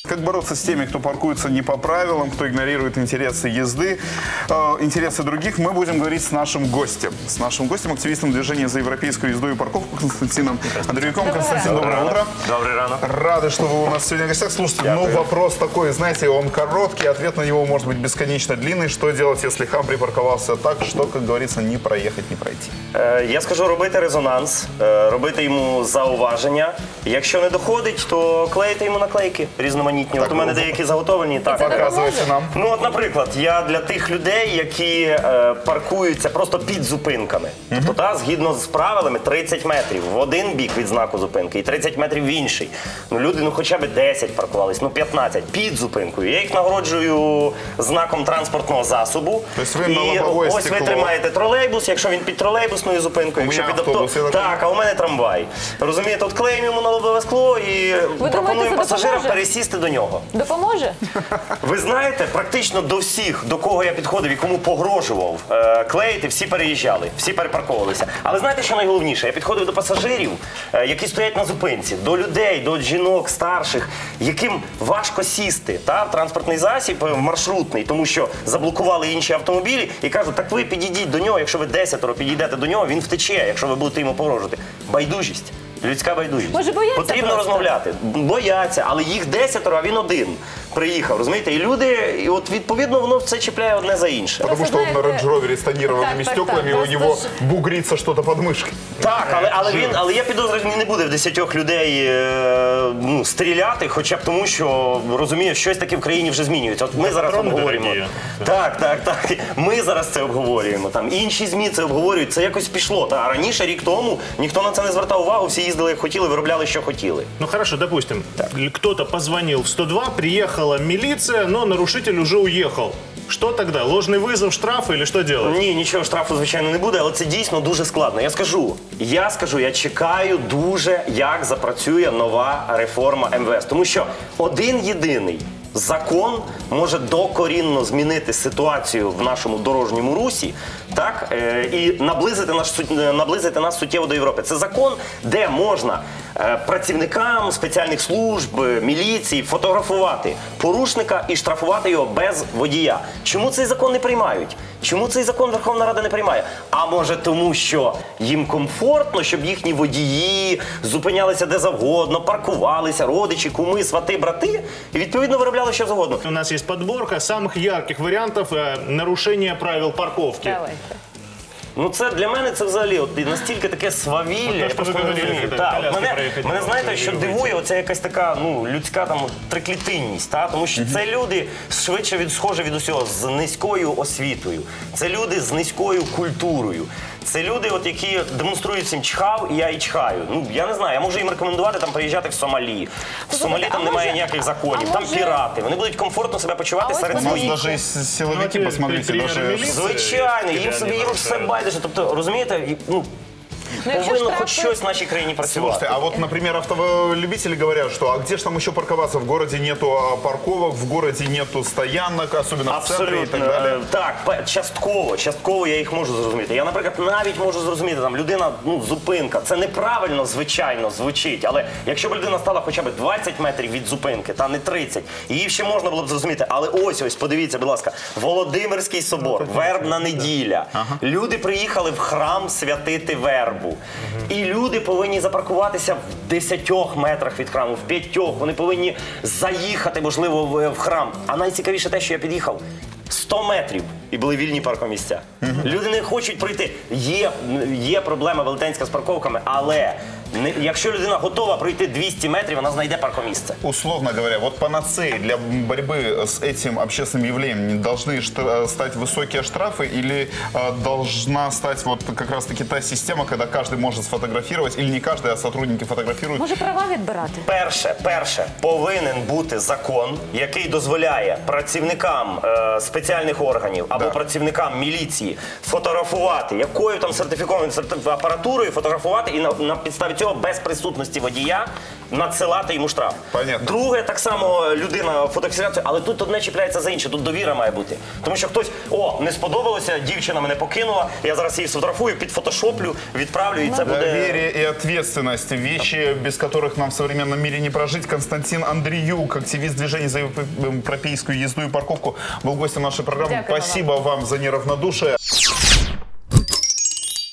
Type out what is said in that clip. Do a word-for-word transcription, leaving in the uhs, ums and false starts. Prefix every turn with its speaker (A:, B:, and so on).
A: Как бороться с теми, кто паркуется не по правилам, кто игнорирует интересы езды, э, интересы других, мы будем говорить с нашим гостем. С нашим гостем, активистом движения за европейскую езду и парковку Константином Андреевиком. Константин, доброе утро.
B: Добрый ранок.
A: Рады, что вы у нас сегодня в гостях. Слушайте, ну вопрос такой, знаете, он короткий, ответ на него может быть бесконечно длинный. Что делать, если хам припарковался так, что, как говорится, не проехать, не пройти?
B: Е, я скажу робити резонанс, е, робити йому зауваження. Якщо не доходить, то клеїти йому наклейки різноманітні. От у мене деякі заготовлені. Так.
A: Показуйте нам.
B: Ну от, наприклад, я для тих людей, які е, паркуються просто під зупинками. Uh-huh. Тобто, та, згідно з правилами, тридцять метрів в один бік від знаку зупинки і тридцять метрів в інший. Ну люди, ну хоча б десять паркувались, ну п'ятнадцять під зупинкою. Я їх нагороджую знаком транспортного засобу.
A: Тобто ви на лобове
B: ось
A: стекло.
B: ви тримаєте тролейбус, якщо він під тролейбусною зупинкою,
A: У
B: якщо
A: мене
B: під авто...
A: автобус, я так-
B: Так, а у мене трамвай. Розумієте, от клеїмо йому на лобове скло і пропонуємо
C: думаєте, це
B: пасажирам
C: допоможе?
B: пересісти до нього.
C: Допоможе?
B: Ви знаєте, практично до всіх, до кого я підходив і кому погрожував е, клеїти, всі переїжджали, всі перепарковувалися. Але знаєте, що найголовніше? Я підходив до пасажирів, е, які стоять на зупинці, до людей, до жінок, старших, яким важко сісти та, в транспортний засіб, е, маршрутний, тому що заблокували інші автомобілі і кажуть, так ви підійдіть до нього, якщо ви десятеро підійдете до нього, він втече, якщо ви будете йому погрожувати. Байдужість. Людська байдужість.
C: Може, бояться
B: Потрібно
C: просто?
B: розмовляти. Бояться, але їх десятеро, а він один приїхав. Розумієте? І люди, і от відповідно воно все чіпляє одне за інше.
A: Потому что он на
C: знаете-
A: Range Rover с тонированными
C: Так, так,
A: стеклами,
C: так,
A: у
C: просто
A: него
C: ж-
A: бугрится что-то под мышкой.
B: Так, але, але він, але я підозрюю, він не буде в десятьох людей е, ну, стріляти, хоча б тому, що розуміє, щось таке в країні вже змінюється. От ми зараз
D: Патрони
B: обговорюємо.
D: дорогі.
B: Так, так, так. Ми зараз це обговорюємо. Там інші ЗМІ це обговорюють. Це якось пішло. Та а раніше, рік тому, ніхто на це не звертав увагу, всі їздили як хотіли, виробляли, що хотіли.
D: Ну хорошо, допустим, кто-то позвонил в сто два, приехала милиция, но нарушитель уже уехал. Что тогда? Ложный вызов, штраф или что делать?
B: Ні, нічого штрафу, звичайно, не буде, але це дійсно дуже складно. Я скажу, я скажу, я чекаю дуже, як запрацює нова реформа ем ве ес. Тому що один єдиний закон може докорінно змінити ситуацію в нашому дорожньому русі, так, е, і наблизити, наш, сут- наблизити нас суттєво до Європи. Це закон, де можна е, працівникам спеціальних служб, е, міліції фотографувати порушника і штрафувати його без водія. Чому цей закон не приймають? Чому цей закон Верховна Рада не приймає? А може тому, що їм комфортно, щоб їхні водії зупинялися де завгодно, паркувалися, родичі, куми, свати, брати, і відповідно виробляли що завгодно.
D: У нас есть подборка самых ярких вариантов э, нарушения правил парковки.
C: Давайте.
B: Ну це для мене це взагалі от, і настільки таке свавілля,
D: От те,
B: я
D: що
B: просто
D: ви
B: не
D: говорили,
B: розумію.
D: коли
B: Так,
D: коляски
B: от мене,
D: проїхати
B: мене
D: не
B: знаєте,
D: можуть,
B: що
D: вирують.
B: дивує, оця якась така ну, людська там триклітинність, та? Тому що це люди швидше від, схожі від усього, з низькою освітою, це люди з низькою культурою. Це люди, от, які демонструють всім чхав, і я і чхаю. Ну, я не знаю, я можу їм рекомендувати там приїжджати в Сомалі. В Сомалі
C: а
B: там немає
C: може-
B: ніяких законів,
C: а
B: там
C: може-
B: пірати. Вони будуть комфортно себе почувати
C: А ось
B: серед
A: У нас
B: своїх.
A: даже есть силовики,
D: Ну,
A: посмотрите,
D: примеры
A: даже...
D: милиции.
B: Звичайно, їм
D: Реально
B: собі їм все
D: нарушають.
B: байдуже. Тобто, розумієте, і, ну,
C: Ну, якщо
B: повинно
C: штрафи-
B: хоч щось в нашій країні працювати.
A: Слушайте, а вот, например, автолюбители говорят, что а где же там еще парковаться? В городе нету а, парковок, в городе нету стоянок, особенно в центре и так
B: Абсолютно.
A: далее.
B: Е, Так, пе- частково, частково я їх можу зрозуміти. Я, наприклад, навіть можу зрозуміти, там людина, ну, зупинка. Це неправильно, звичайно, звучить. Але якщо б людина стала хоча б двадцять метрів від зупинки, та не тридцять, її ще можна було б зрозуміти. Але ось, ось, подивіться, будь ласка, Володимирський собор, вербна неділя. Люди приїхали в храм святити вербу. І люди повинні запаркуватися в десятьох метрах від храму, в п'ятьох. Вони повинні заїхати, можливо, в, в храм. А найцікавіше те, що я під'їхав сто метрів і були вільні паркомісця. Люди не хочуть пройти. Є, є проблема велетенська з парковками, але не, якщо людина готова пройти двісті метрів, вона знайде паркомісце.
A: Условно говоря, вот панацеей для борьбы с этим общественным явлением должны штра- стать высокие штрафы или э, должна стать вот как раз-таки та система, когда каждый может сфотографировать, или не каждый, а сотрудники фотографируют?
C: Може права відбирати?
B: Перше, перше, повинен бути закон, який дозволяє працівникам е, спеціальних органів або
A: Да.
B: працівникам міліції фотографувати, якою там сертифікованою сертиф- апаратурою фотографувати і на, на підставі цього цього без присутності водія надсилати йому штраф.
A: Понятно.
B: Друге, так само людина фотофіксацію, але тут одне чіпляється за інше, тут довіра має бути. Тому що хтось, о, не сподобалося, дівчина мене покинула, я зараз її сфотографую, підфотошоплю, відправлю, і це буде...
A: Доверие и ответственность. Вещи, без которых нам в современном мире не прожить. Константин Андреюк, активист движения за европейскую езду и парковку, был гостем нашей программы.
C: Дякую вам.
A: Спасибо вам за неравнодушие.